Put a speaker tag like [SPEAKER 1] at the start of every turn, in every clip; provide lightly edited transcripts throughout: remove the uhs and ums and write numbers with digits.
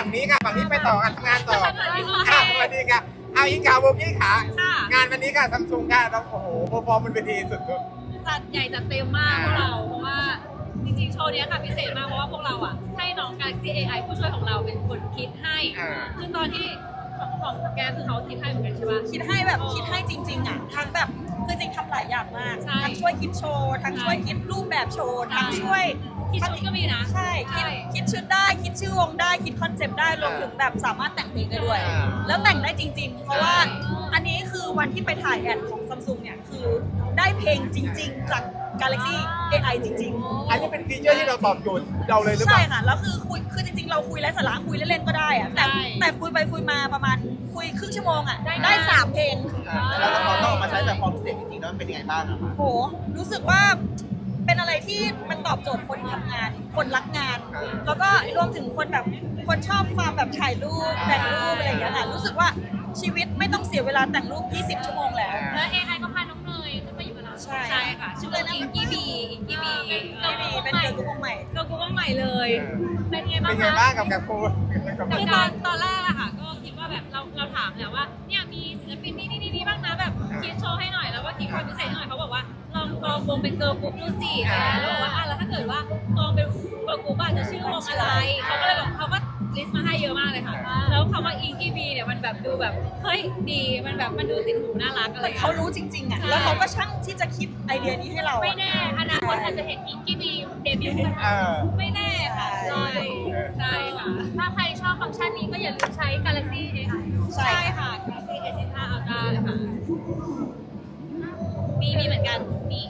[SPEAKER 1] ฝั่งนี้ค่ะฝั่งนี้ไปต่อกันทำงานต่อค่ะสวัสดีค่ะเอาอิงขาวโบกี้ขางานวันนี้ค่ะซัมซุงค่ะเราโอ้โหโปรฟอร์มมันเป็นทีสุด
[SPEAKER 2] จัดใหญ่จัดเต็มมากพวกเราเพราะว่าจริงๆโชว์นี้ค่ะพิเศษมากเพราะว่าพวกเราอ่ะให้น้อง Galaxy AI ผู้ช่วยของเราเป็นคนคิดให้คือตอนที่ของแกคือเขาคิดให้เหมือนกันใช่ปะ
[SPEAKER 3] คิดให้แบบคิดให้จริงๆอ่ะทั้งแบบคือจริงทำหลายอย่างมากทั้งช่วยคิดโชว์ทั้งช่วยคิดรูปแบบโชว์ทั้งช่วย
[SPEAKER 2] คิดชุดก็มีนะ
[SPEAKER 3] ใช่คิดชุดได้คิดชื่อวงได้คิดคอนเซปต์ได้รวมถึงแบบสามารถแต่งเพลงได้ด้วยแล้วแต่งได้จริงๆเพราะว่าอันนี้คือวันที่ไปถ่ายแอดของ Samsung เนี่ยคือได้เพลงจริงๆจาก Galaxy AI จริงๆ
[SPEAKER 1] อันนี้เป็นฟีเจอร์ที่เราตอบโจทย์เราเลยหรือเปล่า
[SPEAKER 3] ใช่ค่ะแล้วคือจริงๆเราคุยไร้สาระคุยเล่นๆก็ได้อะแต่คุยไปคุยมาประมาณคุยครึ่งชั่วโมงอ่ะได้3เพลง
[SPEAKER 4] แล้วเราต้องมาใช้แบบความพิเศษจริงๆแล้วมันเป็นยังไงบ้างอะคะ
[SPEAKER 3] โหรู้สึกว่าเป็นอะไรที่มันตอบโจทย์คนทำงานคนรักงาน แล้วก็รวมถึงคนแบบคนชอบความแบบถ่ายรูปแต่งรูปอะไรอย่างเงี้ยค่ะรู้สึกว่าชีวิตไม่ต้องเสียเวลาแต่งรูป20 ชั่วโมงแล้ว
[SPEAKER 2] แล้ว AI ก็พาน้องเนยขึ้นมาอยู่กับเรา
[SPEAKER 3] ใช่
[SPEAKER 2] ค่ะชื่อว่าอิงกี้บี
[SPEAKER 3] เป็นเกิร์ลกรุ๊ปวงใหม่
[SPEAKER 2] เกิร์ลกรุ๊ปวงใหม่เลยเป็นไงบ้าง
[SPEAKER 1] เป็นไงบ้างกับการโปร
[SPEAKER 2] คือตอนแรกอะค่ะก็คิดว่าแบบเราถามแหละว่าเนี่ยมีศิลปินนี่บ้างนะแบบคิดโชว์ให้หน่อยแล้วว่าคิดความพิเศษให้หน่อยเขาบอกว่าลองกรองวงเป็นเกิร์ลกรุ๊ปดูสิแล้วบอกว่าแล้วถ้าเกิดว่ากรองเป็นเกิร์ลกรุ๊ปจะชื่อวงอะไรเขาก็เลยบอกเขาก็ลิสต์มาให้เยอะมากเลยค่ะแล้วคำว่าอิงกี้บีเนี่ยมันแบบดูแบบเฮ้ยดีมันแบบมันดูติดหูน่ารักอะไร
[SPEAKER 3] เขารู้จริงๆอ่ะแล้วเขาก็ช่างที่จะคิดไอเดียนี้ให้เรา
[SPEAKER 2] ไม่แน่อนาคตอาจจะเห็นอิงกี้บีเดบิวต์ไม่แน่ค่ะใช่ค่ะถ้าใครชอบฟังก์ชันนี้ก็อย่าลืมใช้ Galaxy AI ใช่ค่ะ Galaxy S5 Ultra ค่ะมีเหมือนกันนี่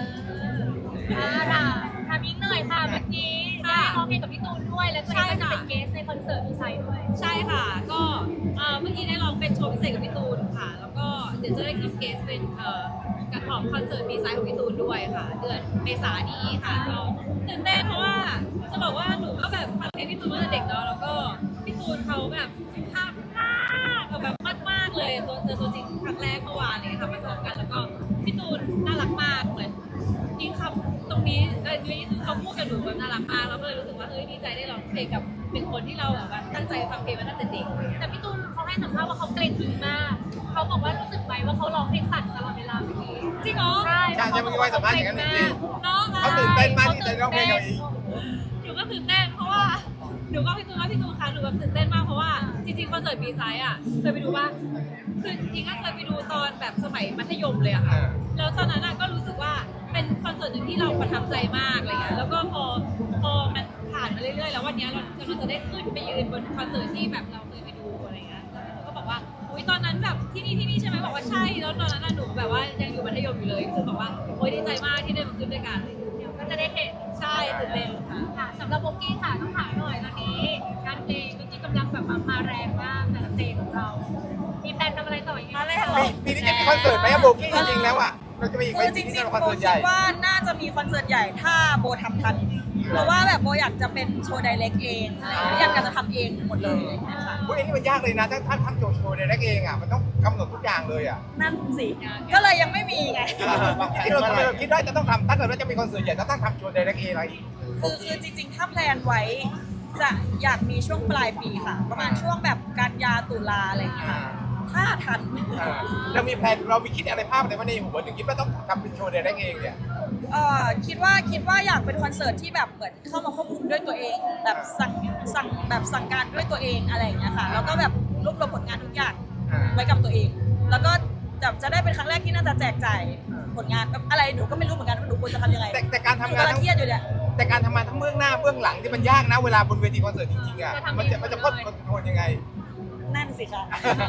[SPEAKER 2] ค่ะทำยิ่งเหนื่อยค่ะเมื่อกี้ได้ร้องเพลงกับพี่ตูนด้วยแล้วก็ได้เป็นเกสในคอนเสิร์ตดีไซน์ด้วยใช่ค่ะก็เมื่อกี้ได้ร้องเป็นโชว์พิเศษกับพี่ตูนค่ะแล้วก็เดี๋ยวจะได้ขึ้นเกสเป็นกระถองคอนเสิร์ตดีไซน์ของพี่ตูนด้วยค่ะเดือนเมษายนนี้ค่ะก็ตื่นเต้นเพราะว่าจะบอกว่าหนูก็แบบฟังเพลงพี่ตูนมาตั้งแต่เด็กเนาะแล้วก็พี่ตูนเขาแบบสุภาพมากแบบมากเลยเจอตัวจริงครั้งแรกเมื่อวานเลยค่ะมาเจอกันแล้วก็พี่ตูนน่ารักมากเหมือนยิ่งคำตรงนี้นี่คือเขาพูดกับหนูแบบน่ารักมากแล้วก็เลยรู้สึกว่าเฮ้ยดีใจได้ร้องเพลงกับหนึ่งคนที่เราแบบว่าตั้งใจฟังเพลงมาตั้งแต่เด็กแต่พี่ตูนเขาให้สัมภาษณ์ว่าเขาเกรงมากเขาบอกว่ารู้สึกไหมว่าเขาร้องเพลงสั่นตลอดเวลาเมื่อกี้จริงเหรอ
[SPEAKER 1] ใช่จะมีไว้สัมภาษณ์อย่างนั้นจริงเขาตื่นเต้นมากที่จะร้องเพลงกับอิง
[SPEAKER 2] หนูก็ตื่นเต้นเพราะว่าหนูก็พี่ตูนค่ะหนูแบบตื่นเต้นมากเพราะว่าจริงๆคอนเสิร์ตบีไซด์อ่ะเคยไปดูว่าคือจริงก็เคยไปดูตอนแบบสมัยมัธยมเลยอะค่ะแล้วตอนนั้นก็รู้สึกว่าเป็นคอนเสิร์ตหนึ่งที่เราประทับใจมากอะไรเงี้ยแล้วก็พอมันผ่านมาเรื่อยๆแล้ววันนี้เราจะได้ขึ้นไปยืนบนคอนเสิร์ตที่แบบเราเคยไปดูอะไรเงี้ยแล้วก็บอกว่าอุ้ยตอนนั้นแบบที่นี่ใช่ไหมบอกว่าใช่แล้วตอนนั้นหนูแบบว่ายังอยู่มัธยมอยู่เลยคือบอกว่าโอ้ยดีใจมากที่ได้มาขึ้นด้วยกันก็จะได้เห็นใช่ตื่นเต้นค่ะสำหรับโบกี้ค่ะต้องถามหน่อยตอนนี้การเพลงก็กำลังแบบมาแรงมากแต่ละเพลงของเรามีแพลนทำอะไรต่ออีกไหม
[SPEAKER 1] ปีนี้จะมีคอนเสิร์ตไหมโบกี้จริงๆแล้วอ่ะเราจะมีอีกไหม
[SPEAKER 3] จริง
[SPEAKER 1] ๆคอน
[SPEAKER 3] ๆโบ
[SPEAKER 1] เสิร์ตใหญ่
[SPEAKER 3] คิดว่าน่าจะมีคอนเสิร์ตใหญ่ถ้าโบทำทันเพราะว่าแบบโบอยากจะเป็นโชว์ไดเรกเองอยากจะทำเองหมดเลยนะคะ
[SPEAKER 1] พวกนี้มันยากเลยนะถ้าทำโชว์ในแรกเองอ่ะมันต้องกำหนดทุกอย่างเลยอ่ะ
[SPEAKER 3] นั่นสิก็เลยยังไม่มีไง
[SPEAKER 1] ที่เราคิดว่าจะต้องทำถ้าเกิดว่าจะมีคอนเสิร์ตใหญ่จะต้องทำโชว์ในแรกเองอะไร
[SPEAKER 3] คือจริงๆถ้าแพลนไว้จะอยากมีช่วงปลายปีค่ะประมาณช่วงแบบกันยาตุลาอะไรอย่างเงี้ยถ้าทัน
[SPEAKER 1] เรามีแผนเรามีคิดอะไรภาพอะไรว่าในหัวถึงคิดว่าต้องทำเป็นโชว์ในแรกเองเนี่ย
[SPEAKER 3] คิดว่าอยากเป็นคอนเสิร์ตที่แบบเหมือนเข้ามาควบคุมด้วยตัวเองแบบสั่งการด้วยตัวเองอะไรอย่างเงี้ยค่ะแล้วก็แบบรวบรวมผลงานทุกอย่างไว้กับตัวเอง แล้วก็จะได้เป็นครั้งแรกที่น่าจะแจกจ่ายผลงานแบบอะไรหนูก็ไม่รู้เหมือนกันว่าหนูควรจะทำยังไง
[SPEAKER 1] แต่การทำงาน
[SPEAKER 3] เครียดอยู่เนี่ย
[SPEAKER 1] แต่การทำงานทั้งเบื้องหน้าเบื้องหลังที่มันยากนะเวลาบนเวทีคอนเสิร์ตจริงๆอ่ะมันจะพ้นคอนโทรลยังไง
[SPEAKER 3] นั่นสิคะ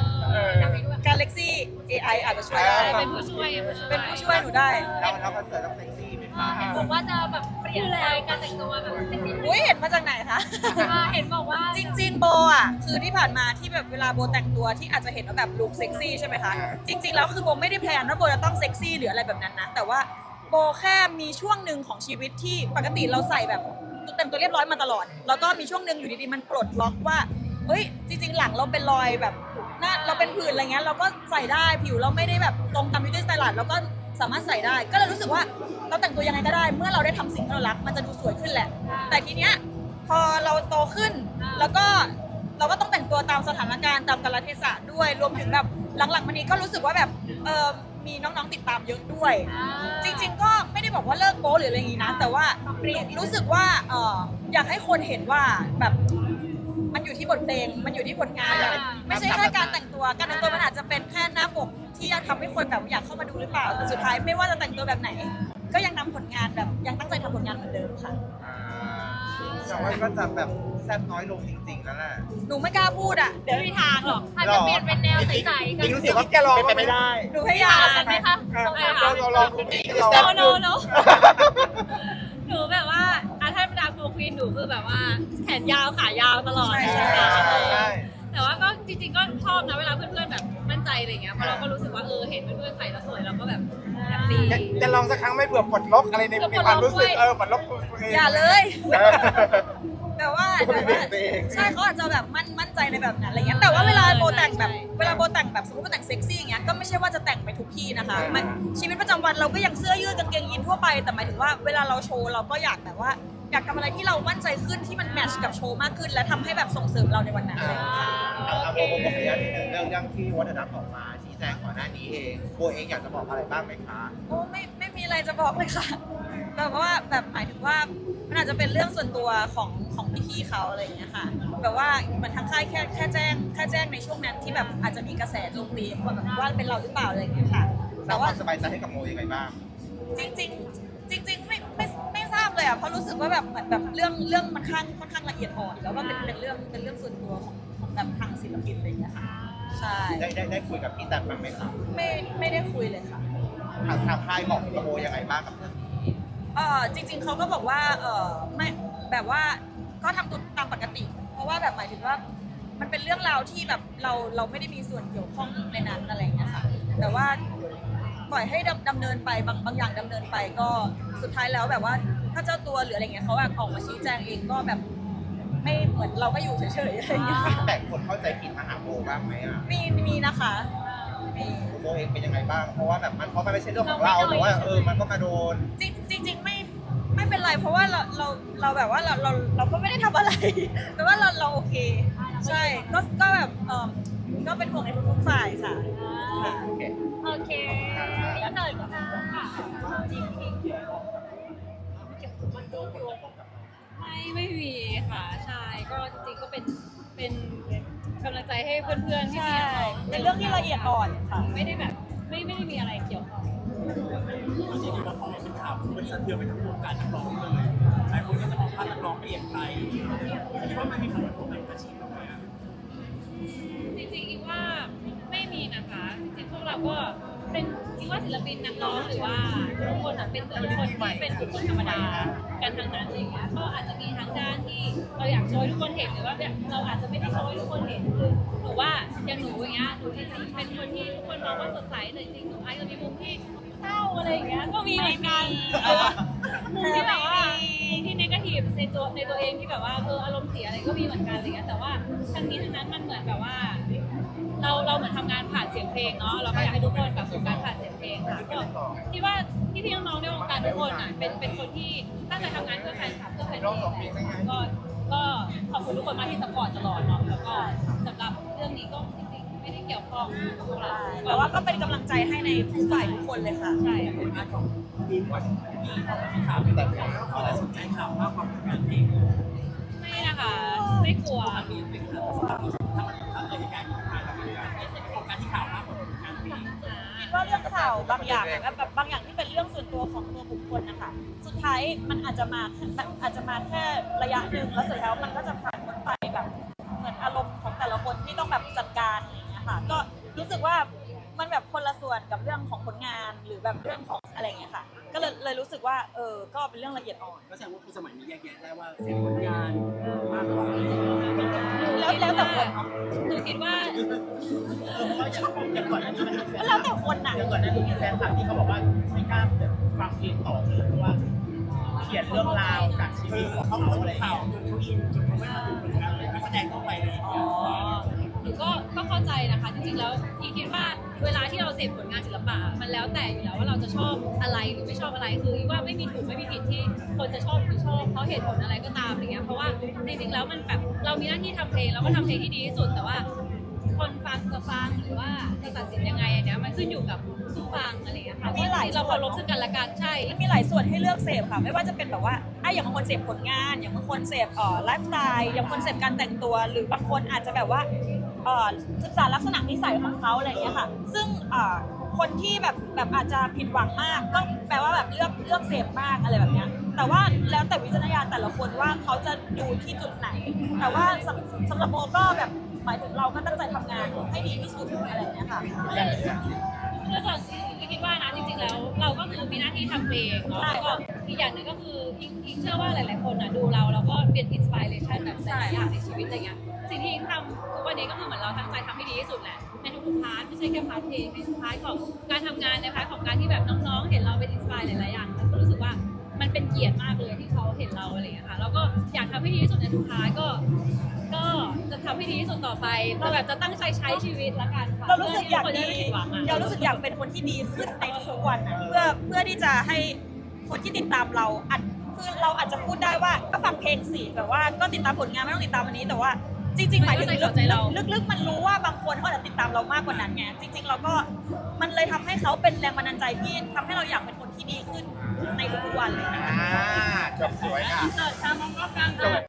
[SPEAKER 3] Galaxy AI อาจจะช่วยได้
[SPEAKER 2] เป็นผู้ช่วย
[SPEAKER 3] หนูได้
[SPEAKER 4] แล้วคอนเสิร์ตต้องเซ็กซี่ไหมคะ
[SPEAKER 2] ผมว่าจะแบบเปลี่ยนสไตล์การแต่งตัวแบบเซ็กซี่
[SPEAKER 3] อุ้ยเห็นมาจากไหนคะ
[SPEAKER 2] เห็นบอกว่า
[SPEAKER 3] จริงๆโบอ่ะคือที่ผ่านมาที่แบบเวลาโบแต่งตัวที่อาจจะเห็นว่าแบบลุคเซ็กซี่ใช่ไหมคะจริงๆแล้วคือโบไม่ได้แพลนว่าโบจะต้องเซ็กซี่หรืออะไรแบบนั้นนะแต่ว่าโบแค่มีช่วงหนึ่งของชีวิตที่ปกติเราใส่แบบแต่งตัวเรียบร้อยมาตลอดแล้วก็มีช่วงหนึ่งอยู่ดีๆมันปลดล็อกว่าเฮ้ยจริงๆหลังเราเป็นรอยแบบหน้าเราเป็นผื่นอะไรเงี้ยเราก็ใส่ได้ผิวเราไม่ได้แบบตรงตาม beauty standard เราก็สามารถใส่ได้ก็เลยรู้สึกว่าเราแต่งตัวยังไงก็ได้เมื่อเราได้ทำสิ่งที่เรารักมันจะดูสวยขึ้นแหละแต่ทีเนี้ยพอเราโตขึ้นแล้วก็เราก็ต้องแต่งตัวตามสถานการณ์ตามกาลเทศะด้วยรวมถึงแบบหลังๆมานี้ก็รู้สึกว่าแบบมีน้องๆติดตามเยอะด้วย จริงๆก็ไม่ได้บอกว่าเลิกโป๊หรืออะไรอย่างงี้นะแต่ว่ารู้สึกว่าอยากให้คนเห็นว่าแบบมันอยู่ที่บทเพลงมันอยู่ที่ผลงานเลยไม่ใช่แค่การแต่งตัวมันอาจจะเป็นแค่หน้าปกที่ทำให้คนแบบอยากเข้ามาดูหรือเปล่าแต่สุดท้ายไม่ว่าจะแต่งตัวแบบไหน ก็ยังนำผลงานแบบยังตั้งใจทำผลงานเหมือนเดิมค่ะ
[SPEAKER 4] แต่ว่าก็จะแบบแซ่บน้อยลงจริงๆแล้วแหละ
[SPEAKER 3] หนูไม่กล้าพูดอ่ะเดี๋ยว
[SPEAKER 2] ไม่มีทางหรอกอาจจะเปลี่ยนเป็นแนวใสๆกัน
[SPEAKER 1] รู้สึกว่าแกลอง
[SPEAKER 4] เป็นไปไม่ได้
[SPEAKER 3] หนูพยายาม
[SPEAKER 2] กันไหมคะ
[SPEAKER 1] เราลองตรงนี้เรา
[SPEAKER 2] โนหนูแบบว่าถ้าธรรมดาโฟควีนหนูคือแบบว่าแขนยาวขายาวตลอด
[SPEAKER 3] ใช่
[SPEAKER 2] แต่ว่าก็จริงๆก็ชอบนะเวลาเพื่อนๆแบบมั่นใจอะไรเงี้ยเพราะเราก็รู้สึกว่าเห็นเพื่อนๆใส่แล้วสวยเราก็แบบแฮปปี้
[SPEAKER 1] จะลองสักครั้งไม่เผื่อปลดล็อกอะไรในความรู้สึกปลดล็อกตัวเอง
[SPEAKER 3] อย่าเลยแต่ว่าใช่เขาอาจจะแบบมั่นใจในแบบนั้นอะไรเงี้ยแต่ว่าเวลาโบแต่งแบบสมมติโบแต่งเซ็กซี่อย่างเงี้ยก็ไม่ใช่ว่าจะแต่งไปทุกที่นะคะมันชีวิตประจำวันเราก็ยังเสื้อยืดกางเกงยีนทั่วไปแต่หมายถึงว่าเวลาเราโชว์เราก็อยากแบบว่าอยากทำอะไรที่เรามั่นใจขึ้นที่มันแมทช์กับโชว์มากขึ้นและทำให้แบบส่งเสริมเราในวันนั้นเลยค่ะ
[SPEAKER 4] เอาโบขออนุญาตนิดนึงเรื่องที่วัฒนธรรมออกมาชี้แจงก่อนหน้านี้เองโบเองอยากจะบอกอะไรบ้างไหมคะ
[SPEAKER 3] โอ้ไม่มีอะไรจะบอกเลยค่ะแบบว่าแบบหมายถึงว่ามันอาจจะเป็นเรื่องส่วนตัวของพี่ๆเขาอะไรอย่างเงี้ยค่ะแบบว่ามันทางค่ายแค่แจ้งในช่วงนั้นที่แบบอาจจะมีกระแสโจมตีว่าเป็นเราหรือเปล่าอะไรอย่างเงี้ยค่ะ
[SPEAKER 4] สร้า
[SPEAKER 3] แต่
[SPEAKER 4] งค
[SPEAKER 3] ว่า
[SPEAKER 4] วามสบายใจให้กับโมยังไงบ้าง
[SPEAKER 3] จริงไม่ทราบเลยอ่ะเพราะรู้สึกว่าแบบเหมือนแบบเรื่องมันค่อนข้างละเอียดอ่อนแล้วก็เป็นเรื่องส่วนตัวของแบบทางศิลปินอะไรอย่างเงี้ยค่ะใช่
[SPEAKER 4] ได้คุยกับพี่แตมบ้างไหมครับ
[SPEAKER 3] ไม่ได้คุยเลยค่ะ
[SPEAKER 4] ทางค่ายบอกกับโมยังไงบ้างกับเรื่องนี้
[SPEAKER 3] จริงๆเขาก็บอกว่าไม่แบบว่าก็ทำตัวตามปกติ เพราะว่าแบบหมายถึงว่ามันเป็นเรื่องราวที่แบบเราไม่ได้มีส่วนเกี่ยวข้องในนั้นอะไรอย่างเงี้ยค่ะแต่ว่าปล่อยให้ดำเนินไปบางอย่างดำเนินไปก็สุดท้ายแล้วแบบว่าถ้าเจ้าตัวหรืออะไรเงี้ยเขาแบบออกมาชี้แจงเองก็แบบไม่เหมือนเราก็อยู่เฉยๆอะไรอย่างเงี้ย
[SPEAKER 4] แต่คนเข้าใจผิดมาหาโมบ้างไหมอ่ะ
[SPEAKER 3] มีนะคะมี
[SPEAKER 4] โมเองเป็นยังไงบ้างเพราะว่าแบบมันไม่ใช่เรื่องของเราแต่ว่ามันก็มาโดน
[SPEAKER 3] จริงไม่เป็นไรเพราะว่าเราแบบว่าเราก็ไม่ได้ทำอะไร แต่ว่าเราโอเคใช่ก็แบบก็เป็นห่วงในทุกๆฝ่ายค่ะ
[SPEAKER 4] โอเค
[SPEAKER 2] โอเคอินเสิร์ตค่ะไม่มีค่ะใช่ก็จริงๆก็เป็นกำลังใจให้เพื่อนๆที่
[SPEAKER 3] ใช่
[SPEAKER 2] มี
[SPEAKER 3] เป็นเรื่องที่ละเอียดอ่อนค่ะ
[SPEAKER 2] ไม่ได้แบบไม่ได้มีอะไรเกี่ยวข้อง
[SPEAKER 5] รู้สึกว่าพอเป็นข่าวมันสะเทือนไปทั้งวงการนักร้องเลยหลายคนก็จะมองภาพนักร้องเปลี่ยนไปคิดว่ามันมีผลกระทบกับอาชีพเราไหมอะ
[SPEAKER 2] จริงๆคิดว่าไม่มีนะคะจริงๆพวกเราก็เป็นคิดว่าศิลปินนักร้องหรือว่าทุกคนเป็นคนที่เป็นบุคคลธรรมดากันทั้งนั้นอะไรอย่างเงี้ยก็อาจจะมีทั้งด้านที่เราอยากโชว์ให้ทุกคนเห็นหรือว่าเราอาจจะไม่ได้โชว์ให้ทุกคนเห็นคือหนูว่าอย่างหนูอย่างเงี้ยหนูจริงๆเป็นคนที่ทุกคนมองว่าสดใสแต่จริงๆหนูอาจจะมีมุมที่เศร้าอะไรอย่างเงี้ยก็มีเหมือนกันมุมที่แบบว่ามุมที่เนกาทีฟในตัวเองที่แบบว่าอารมณ์เสียอะไรก็มีเหมือนกันอะไรเงี้ยแต่ว่าทั้งนี้ทั้งนั้นมันเหมือนแบบว่าเราเหมือนทำงานผ่านเสียงเพลงเนาะเราก็อยากให้ทุกคนแบบโฟกัสผ่านเสียงเพลงค่ะก็คิดว่าพี่น้องๆในวงการทุกคนอ่ะเป็นคนที่ตั้งใจทำงานเพื่อแฟนคลับเพื่อแฟนเพลงก็ขอบคุณทุกคนมากที่สปอร์ตตลอดเนาะแล้วก็สำหรับเรื่องนี้ก็จริงๆไม่ได้เกี่ยวข้องกับพวกเรา
[SPEAKER 3] แต่ว่าก็เป็นกำลังใจให้ในผู้ฝ่ายทุกคนเลยค่ะ
[SPEAKER 2] ใช่
[SPEAKER 5] ผลงานของมีข่าวแต่เขาแต่สนใจข่าวมากกว่าผลงานเพลง
[SPEAKER 2] ไม่นะคะไม่กลัว
[SPEAKER 5] มีเป็นข่าวถ้าเกิดเหตุการณ์ขึ้นมาแล้วมันโฟกัสที่ข่าวมากกว่าผลงานเพลง
[SPEAKER 3] คิดว่าเรื่องข่าวบางอย่างแบบบางอย่างที่เป็นเรื่องส่วนตัวของตัวบุคคลนะคะสุดท้ายมันอาจจะมาแค่ระยะหนึ่งแล้วสุดท้ายมันก็จะผ่านพ้นไปแบบเหมือนอารมณ์ของแต่ละคนที่ต้องแบบจัดการอะไรอย่างเงี้ยค่ะก็รู้สึกว่ามันแบบคนละส่วนกับเรื่องของผลงานหรือแบบเรื่องของอะไรอย่างเงี้ยค่ะก็เลยรู้สึกว่าก็เป็นเรื่องละเอียดอ่อน
[SPEAKER 5] ก็แสดงว่าคุณสมัยนี้แยกแยะได้ว่าเสพผลงานมากกว่า
[SPEAKER 3] แล้วแต่คนเนาะ
[SPEAKER 2] หนูคิดว่า
[SPEAKER 5] เพราะอย่างก่อนหน้านี้มันมีแฟน
[SPEAKER 3] แล้วแต่คนน่ะ
[SPEAKER 5] อย่างก่อนหน้านี้มีแฟนคลับที่เขาบอกว่าไม่กล้าฟังเพลงต่อเลยเพราะว่าเขียนเรื่องราวจากชีวิตของเขาอะไรอย่างเงี้ยเขาอินจนเขาไม่มาดูผลงานเลยนักแสดงต้องไปเลย
[SPEAKER 2] หนูก็เข้าใจนะคะจริงๆแล้วพี่คิดว่าเวลาที่เราเสพผลงานศิลปะมันแล้วแต่อยู่แล้วว่าเราจะชอบอะไรหรือไม่ชอบอะไรคือว่าไม่มีถูกไม่มีผิดที่คนจะชอบหรือไม่ชอบเพราะเหตุผลอะไรก็ตามอะไรเงี้ยเพราะว่าจริงๆแล้วมันแบบเรามีหน้าที่ทำเพลงเราก็ทำเพลงที่ดีที่สุดแต่ว่าคนฟังจะฟังหรือว่าจะตัดสินยังไงอันเนี้ยมันขึ้นอยู่กับผู้ฟังอะไรเงี้ยค่ะเพราะเราเคารพซึ่งกันและกันใช่
[SPEAKER 3] มันมีหลายส่วนให้เลือกเสพค่ะ ไม่ว่าจะเป็นแบบว่าอย่างบางคนเสพผลงาน อย่างบางคนเสพไลฟ์สไตล์อย่างบางคนเสพการแต่งตัว หรือบางคนอาจจะแบบว่าศึกษาลักษณะนิสัยของเขาอะไรอย่างเงี้ยค่ะ ซึ่งคนที่แบบอาจจะผิดหวังมากก็แปลว่าแบบเลือกเสพมากอะไรแบบเนี้ยแต่ว่าแล้วแต่วิจารณญาณแต่ละคนว่าเขาจะดูที่จุดไหน แต่ว่าสำหรับโมก็แบบหมายถึงเราก็ตั้งใจทำงานให้ดีที่สุดอะไรอย่างเงี้ยค่ะ
[SPEAKER 2] คือส่วนที่คิดว่านะจริงๆแล้วเราก็คือมีหน้าที่ทำเพลงเนาะแล้วก็อีกอย่างหนึ่งก็คืออิงเชื่อว่าหลายๆคนอ่ะดูเราแล้วก็เป็นอินสปิเรชันแบบหลายๆอย่างในชีวิตอะไรเงี้ยสิ่งที่อิงทำทุกวันนี้ก็คือเหมือนเราตั้งใจทำให้ดีที่สุดแหละในทุกๆพาร์ทไม่ใช่แค่พาร์ทเพลงในทุกพาร์ทของการทำงานในพาร์ทของการที่แบบน้องๆเห็นเราเป็นอินสปายหลายๆอย่างก็รู้สึกว่ามันเป็นเกียรติมากเลยที่เขาเห็นเราอะไรอย่างเงี้ยค่ะแล้วก็อยากทำให้ดีที่สุดในทุกพาร์ทก็จะทำให้ดีที่สุดต่อไปเราแบบจะตั้งใจใช้ชีวิตละกันค่ะ
[SPEAKER 3] เรารู้สึกอยากดี
[SPEAKER 2] เรา
[SPEAKER 3] เรารู้สึกอยากเป็นคนที่ดีขึ้นในทุกวันอะเพื่อที่จะให้คนที่ติดตามเราคือเราอาจจะพูดได้ว่าก็ฟังเพลงสิแบบว่าก็ติดตามผลงานไม่ต้องติดตามวันนี้แต่ว่าจริงๆหมายถึงลึกๆมันรู้ว่าบางคนเขาอาจจะติดตามเรามากกว่านั้นไงจริงๆเราก็มันเลยทำให้เขาเป็นแรงบันดาลใจที่ทำให้เราอยากเป็นคนที่ดีขึ้นในทุกๆวันเลย
[SPEAKER 1] จบสวยค่ะ
[SPEAKER 2] เสิร์ชตามมองรอบกลาง